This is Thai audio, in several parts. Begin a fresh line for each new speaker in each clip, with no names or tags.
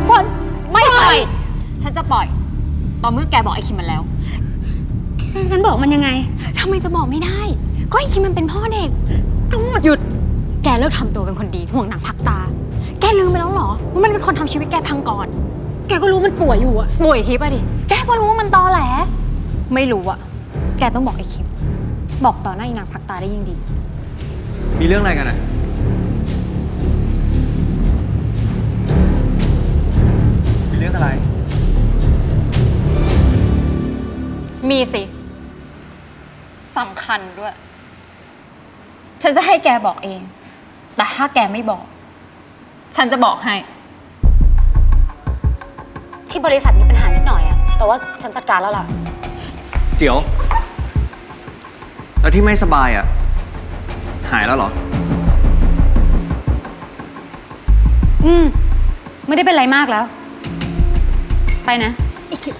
ฝนไม่ปล่อยฉันจะปล่อยตอนเมื่อแกบอกไอ้คิมมันแล้วฉันบอกมันยังไงทำไมจะบอกไม่ได้ก็ไอ้คิมมันเป็นพ่อเด็กทั้งหมดหยุดแกเลิกทำตัวเป็นคนดีห่วงหนังผักตาแกลืมไปแล้วเหรอว่ามันเป็นคนทำชีวิตแกพังก่อนแกก็รู้มันป่วยอยู่อะป่วยทิพย์อะดิแกก็รู้ว่ามันตอแหลไม่รู้อะแกต้องบอกไอ้คิมบอกต่อหน้าอีนางผักตาได้ยิ่งดี
มีเรื่องอะไรกันอะมีเรื่องอะไร
มีสิสำคัญด้วยฉันจะให้แกบอกเองแต่ถ้าแกไม่บอกฉันจะบอกให้ที่บริษัทมีปัญหานิดหน่อยอะแต่ว่าฉันจัดการแล้วล่ะ
เจียวแล้วที่ไม่สบายอะหายแล้วเหรอ
ไม่ได้เป็นไรมากแล้วไปนะอีกคิด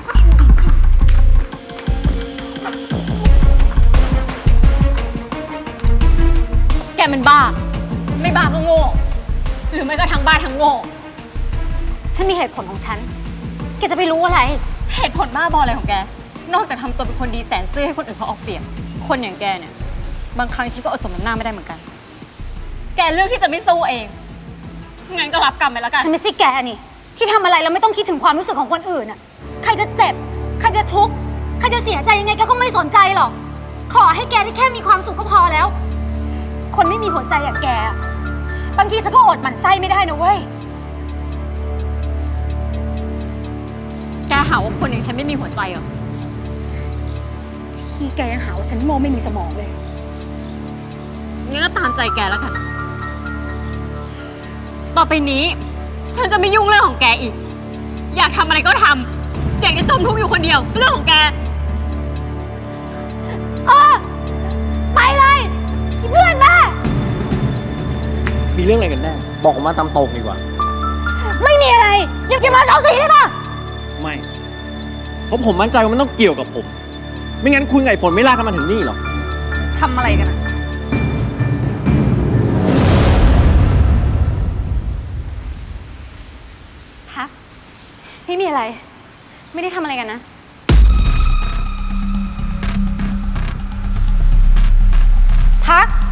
แกมันบ้าไม่บ้าก็โง่หรือไม่ก็ทั้งบ้าทั้งโง่ฉันมีเหตุผลของฉันแกจะไปรู้อะไรเหตุผลบ้าบออะไรของแกนอกจากทำตัวเป็นคนดีแสนซื่อให้คนอื่นเขาเอาเปรียบคนอย่างแกเนี่ยบางครั้งฉันก็อดสมน้ำหน้าไม่ได้เหมือนกันแกเลือกที่จะไม่สู้เองงั้นก็รับกรรมไปแล้วกันฉันไม่ใช่แกนี่ที่ทำอะไรแล้วไม่ต้องคิดถึงความรู้สึกของคนอื่นอะใครจะเจ็บใครจะทุกข์ใครจะเสียใจยังไงแกก็ไม่สนใจหรอกขอให้แกได้แค่มีความสุขก็พอแล้วคนไม่มีหัวใจอย่างแกบางทีฉันก็อดหมั่นไส้ไม่ได้นะเว้ยแกหาว่าคนอย่างฉันไม่มีหัวใจเหรอที่แกยังหาว่าฉันโง่ไม่มีสมองเลยงั้นก็ตามใจแกแล้วกันต่อไปนี้ฉันจะไม่ยุ่งเรื่องของแกอีกอยากทำอะไรก็ทำอยากจะจมทุกข์อยู่คนเดียวเรื่องของแกไปเลยเพื่อนแม่
มีเรื่องอะไรกันแน่บอกผมมาตามตรงดีกว่า
ไม่มีอะไรอย่ามาเอาสีได้ปะ
ไม่เพราะผมมั่นใจว่ามันต้องเกี่ยวกับผมไม่งั้นคุณไก่ฝนไม่ลากกันมาถึงนี่หรอก
ทำอะไรกันอะพักไม่มีอะไรไม่ได้ทำอะไรกันนะพัก